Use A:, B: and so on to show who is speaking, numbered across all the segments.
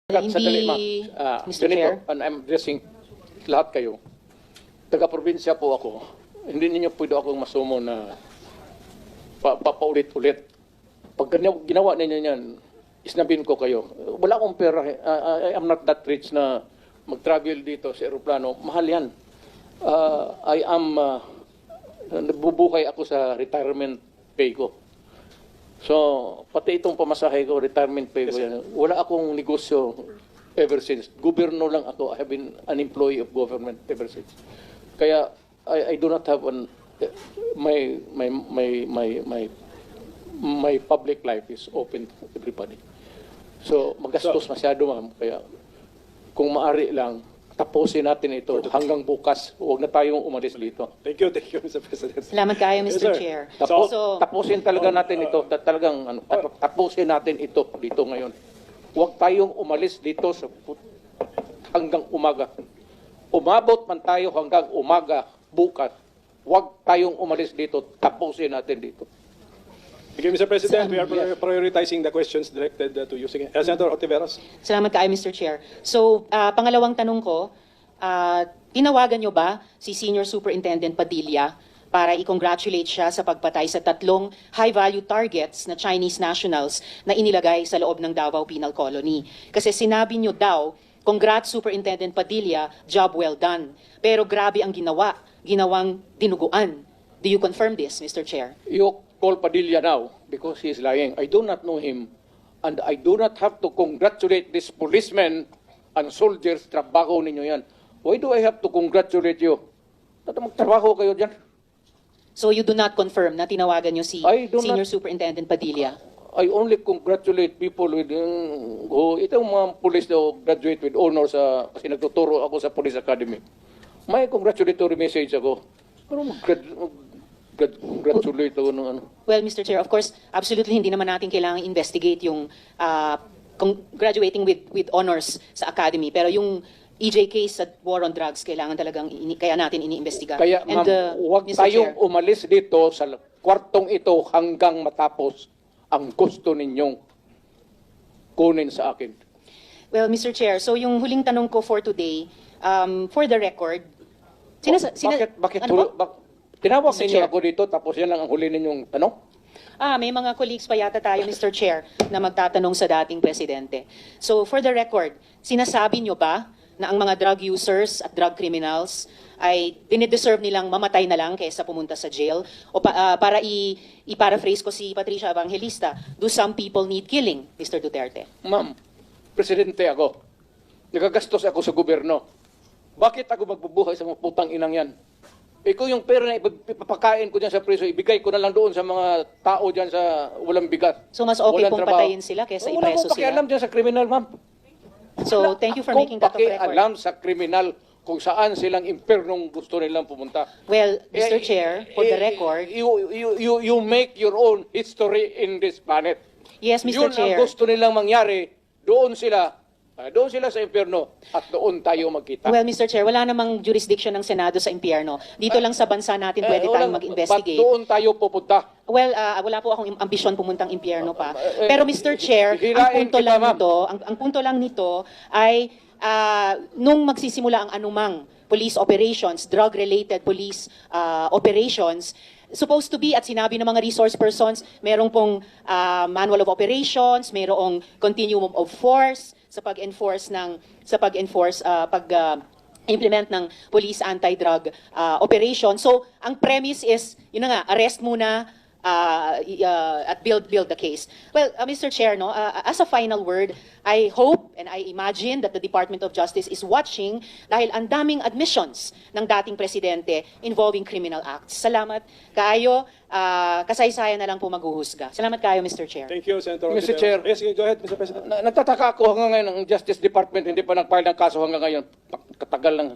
A: Sandali, ma'am.
B: Mr.
A: Ganito,
B: Chair.
A: and I'm addressing lahat kayo. Taga-probinsya po ako. Hindi ninyo pwede akong masumo na papaulit-ulit. Pag ginawa ninyo yan, isnabin ko kayo. Wala akong pera. I am not that rich na mag-travel dito sa aeroplano. Mahal yan. Nagbubukay ako sa retirement pay ko. So, pati itong pamasahe ko, retirement pay ko yan. Wala akong negosyo ever since. Gobyerno lang ako. I have been an employee of government ever since. Kaya, I do not have my public life is open to everybody. So, magastos masyado, ma'am. Kaya, kung maari lang, tapusin natin ito hanggang bukas. Huwag na tayong umalis dito.
C: Thank you, Mr. President.
B: Salamat kayo,
C: Yes,
B: Mr.
C: sir.
B: Chair.
A: Tapusin talaga natin ito. Tapusin natin ito dito ngayon. Huwag tayong umalis dito hanggang umaga. Umabot man tayo hanggang umaga bukas. Huwag tayong umalis dito. Tapusin natin dito.
C: Thank you, Mr. President. We are prioritizing the questions directed to you. Sige. Senator Otiveros.
B: Salamat kayo, Mr. Chair. So, pangalawang tanong ko, tinawagan nyo ba si Senior Superintendent Padilla para i-congratulate siya sa pagpatay sa 3 high-value targets na Chinese nationals na inilagay sa loob ng Davao Penal Colony? Kasi sinabi nyo daw, congrats Superintendent Padilla, job well done. Pero grabe ang ginawang dinuguan. Do you confirm this, Mr. Chair?
A: You call Padilla now because he is lying. I do not know him. And I do not have to congratulate this policemen and soldiers. Trabaho ninyo yan. Why do I have to congratulate you? Magtrabaho kayo dyan.
B: So you do not confirm na tinawagan nyo si
A: I do
B: Senior
A: not-
B: Superintendent Padilla?
A: I only congratulate people with itong mga police na graduate with honors kasi nagtuturo ako sa Police Academy. May congratulatory message ako. Pero congratulate ako ng ano.
B: Well, Mr. Chair, of course, absolutely hindi naman natin kailangan investigate yung graduating with honors sa academy. Pero yung EJ case sa war on drugs, kailangan talagang kaya natin iniimbestiga.
A: Kaya ma'am, huwag
B: Mr.
A: tayong
B: Chair,
A: umalis dito sa kwartong ito hanggang matapos ang gusto ninyong kunin sa akin.
B: well, Mr. Chair, so yung huling tanong ko for today, for the record,
A: Bakit
B: ano po?
A: tinawag
B: Mr.
A: ninyo
B: Chair.
A: ako dito tapos yan lang ang huli ninyong tanong?
B: May mga colleagues pa yata tayo, Mr. Chair, na magtatanong sa dating presidente. So, for the record, sinasabi nyo ba na ang mga drug users at drug criminals ay dinideserve nilang mamatay na lang kaysa pumunta sa jail? O para i-paraphrase ko si Patricia Evangelista, do some people need killing, Mr. Duterte?
A: Ma'am, presidente ako. Nagagastos ako sa gobyerno. Bakit ako magbubuhay sa mga putang inang yan? Ikaw yung pera na ipapakain ko dyan sa preso, ibigay ko na lang doon sa mga tao dyan sa walang bigat.
B: So, mas okay
A: walang
B: pong
A: trabaho.
B: patayin sila kaysa
A: Wala
B: ipreso
A: akong pakialam
B: sila?
A: dyan sa kriminal, ma'am.
B: So, thank you for making that of record.
A: Alam sa kriminal kung saan silang impernong gusto nilang pumunta.
B: Well, Mr. Chair, for the record,
A: You make your own history in this planet.
B: yes, Mr.
A: Yun
B: Chair.
A: ang gusto nilang mangyari. Doon sila sa impyerno at doon tayo magkita.
B: Well, Mr. Chair, wala namang jurisdiction ng Senado sa impyerno. Dito lang sa bansa natin pwede tayong mag-investigate.
A: Ba't doon tayo pupunta?
B: Well, wala po akong ambisyon pumuntang impyerno pa. Pero Mr. Chair, ang
A: hirain
B: punto
A: kita,
B: lang
A: ma'am.
B: nito, ang punto lang nito ay nung magsisimula ang anumang police operations, drug-related police operations, supposed to be, at sinabi ng mga resource persons, merong pong manual of operations, merong continuum of force sa pag-enforce implement ng police anti-drug operation. So, ang premise is, yun na nga, arrest muna at build the case. Well, Mr. Chair, no, as a final word, I hope and I imagine that the Department of Justice is watching dahil ang daming admissions ng dating presidente involving criminal acts. Salamat kayo. Kasaysayan na lang po maghuhusga. Salamat kayo, Mr. Chair.
C: Thank you, Senator
A: Mr.
C: Otiveros.
A: Chair.
C: Yes, go ahead, Mr. President.
A: Nagtataka ako hanggang ngayon ang Justice Department hindi pa nag-file ng kaso hanggang ngayon. Katagal lang.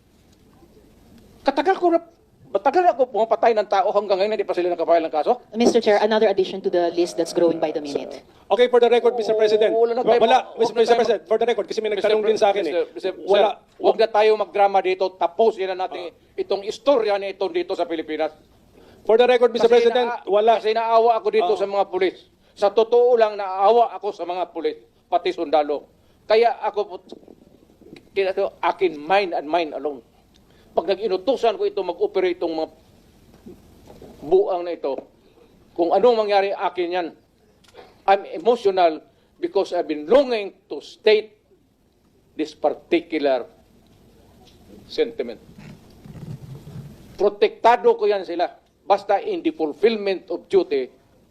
A: Matagal ako pumapatay ng tao hanggang ngayon hindi pa sila nag-file ng kaso?
B: Mr. Chair, another addition to the list that's growing by the minute.
C: Okay, for the record, Mr. President.
A: Wala na tayo-
C: Mr. President, for the record, kasi may nagtanong din sa akin Wala.
A: Huwag na tayo magdrama dito. Tapusin na natin itong istorya na ito dito sa Pilipinas.
C: For the record, Mr. President, wala.
A: Kasi naawa ako dito sa mga pulis. Sa totoo lang, naawa ako sa mga pulis, pati sundalo. Kaya ako po, akin mind and mind alone. Pag nag-inutusan ko ito mag-operate itong mga buang na ito, kung anong mangyari akin yan, I'm emotional because I've been longing to state this particular sentiment. Protektado ko yan sila. Basta in the fulfillment of duty,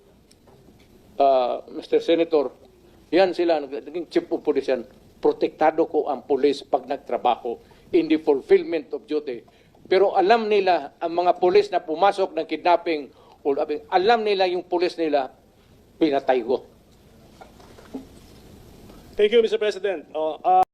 A: Mr. Senator, yan sila, naging chief of police yan. Protektado ko ang police pag nagtrabaho in the fulfillment of duty. Pero alam nila, ang mga police na pumasok ng kidnapping, alam nila yung police nila, pinatay ko.
C: Thank you, Mr. President.